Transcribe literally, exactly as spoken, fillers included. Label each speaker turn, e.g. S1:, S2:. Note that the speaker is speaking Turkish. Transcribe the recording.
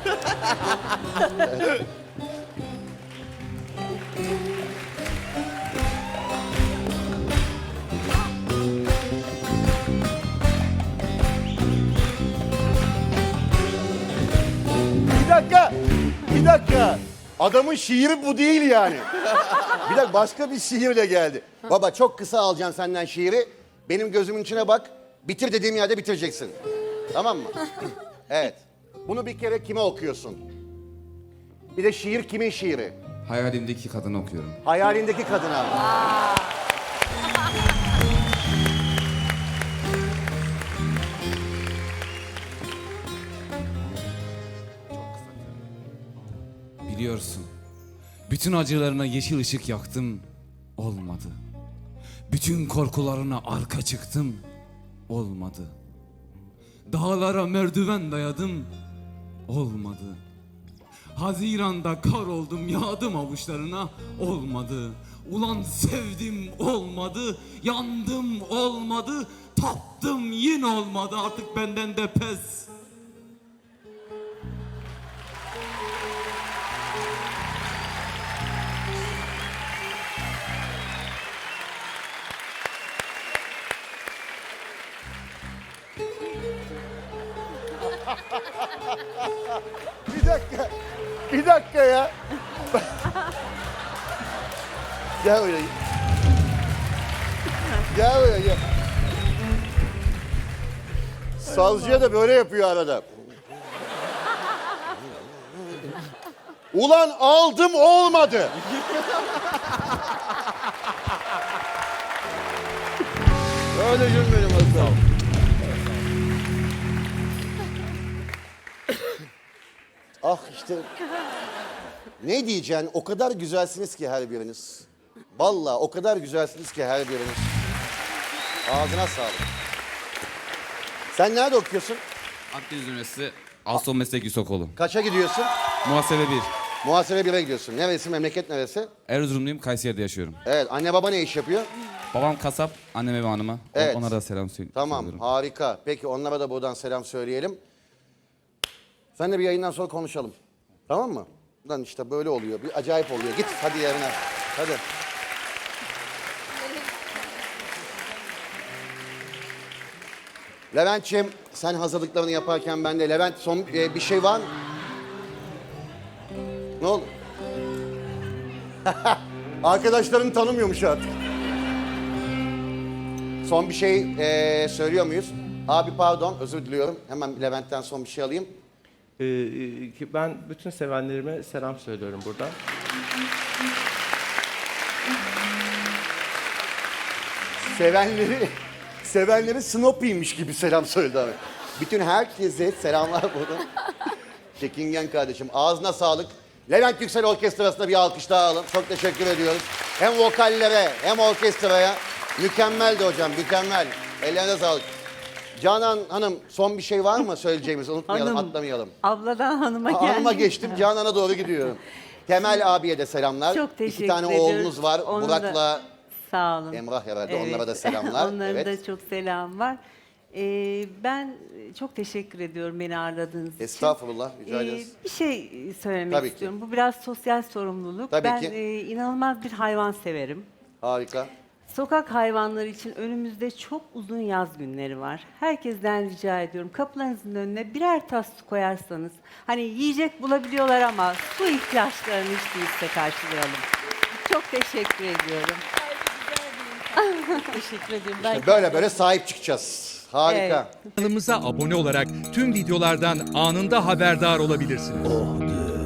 S1: Bir dakika, bir dakika. Adamın şiiri bu değil yani. Bir dakika, başka bir şiirle geldi. Baba çok kısa alacağım senden şiiri. Benim gözümün içine bak. Bitir dediğim yerde bitireceksin. Tamam mı? Evet. Bunu bir kere kime okuyorsun? Bir de şiir kimin şiiri?
S2: Hayalimdeki kadını okuyorum.
S1: Hayalindeki kadına.
S2: Biliyorsun, bütün acılarına yeşil ışık yaktım, olmadı. Bütün korkularına arka çıktım, olmadı. Dağlara merdiven dayadım, olmadı. Haziranda kar oldum, yağdım avuçlarına, olmadı. Ulan sevdim, olmadı. Yandım, olmadı. Tattım, yine olmadı. Artık benden de pes.
S1: Bir dakika. Bir dakika ya. Gel buraya. Gel buraya gel. Sazcıya da böyle yapıyor arada. Ulan aldım olmadı. Öyle gülmedim Hasan. Ah işte. Ne diyeceksin? O kadar güzelsiniz ki her biriniz. Vallahi o kadar güzelsiniz ki her biriniz. Ağzına sağlık. Sen nerede okuyorsun?
S2: Akdeniz Üniversitesi Aston Meslek Yüksekokulu.
S1: Kaça gidiyorsun?
S2: Muhasebe bir.
S1: Muhasebe bire gidiyorsun. Neresi? Memleket neresi?
S2: Erzurumluyum, Kayseri'de yaşıyorum.
S1: Evet. Anne baba ne iş yapıyor?
S2: Babam kasap, anneme ve hanıma.
S1: Evet.
S2: Onlara da selam söylüyorum.
S1: Tamam. Harika. Peki onlara da buradan selam söyleyelim. Sen de bir yayından sonra konuşalım. Tamam mı? Lan işte böyle oluyor. Bir acayip oluyor. Git hadi yerine. Hadi. Levent'ciğim sen hazırlıklarını yaparken ben de Levent son e, bir şey var mı? Ne oldu? Arkadaşlarını tanımıyormuş artık. Son bir şey e, söylüyor muyuz? Abi pardon özür diliyorum. Hemen Levent'ten son bir şey alayım.
S3: Ee, ki ben bütün sevenlerime selam söylüyorum buradan.
S1: Sevenleri, sevenleri Snoopy'ymiş gibi selam söyledi abi. Bütün herkese selamlar buradan. Çekingen kardeşim ağzına sağlık. Levent Yüksel Orkestrası'na bir alkış daha alın. Çok teşekkür ediyoruz. Hem vokallere hem orkestraya. Mükemmeldi hocam, mükemmel. Ellerine sağlık. Canan Hanım son bir şey var mı söyleyeceğimiz? Unutmayalım,
S4: Hanım,
S1: atlamayalım.
S4: Abladan hanıma geldim.
S1: Hanıma geçtim, Canan'a doğru gidiyorum. Temel abiye de selamlar.
S4: Çok teşekkür
S1: İki tane
S4: ediyoruz.
S1: oğlunuz var.
S4: Onu
S1: Murat'la
S4: da- Sağ olun.
S1: Emrah herhalde. Onlara da selamlar.
S4: Onların
S1: Evet.
S4: da çok selam var. Ee, ben çok teşekkür ediyorum beni ağırladığınız için.
S1: Estağfurullah, rica
S4: Ee,
S1: ederiz.
S4: bir şey söylemek
S1: Tabii ki.
S4: istiyorum. Bu biraz sosyal sorumluluk.
S1: Tabii
S4: ben
S1: ki.
S4: e, inanılmaz bir hayvan severim.
S1: Harika.
S4: Sokak hayvanları için önümüzde çok uzun yaz günleri var. Herkesten rica ediyorum kapılarınızın önüne birer tas su koyarsanız, hani yiyecek bulabiliyorlar ama su ihtiyaçlarını hiç değilse karşılayalım. Çok teşekkür ediyorum. teşekkür ediyorum. Ben
S1: Böyle böyle sahip çıkacağız. Harika.
S4: Evet.
S5: Kanalımıza abone olarak tüm videolardan anında haberdar olabilirsiniz.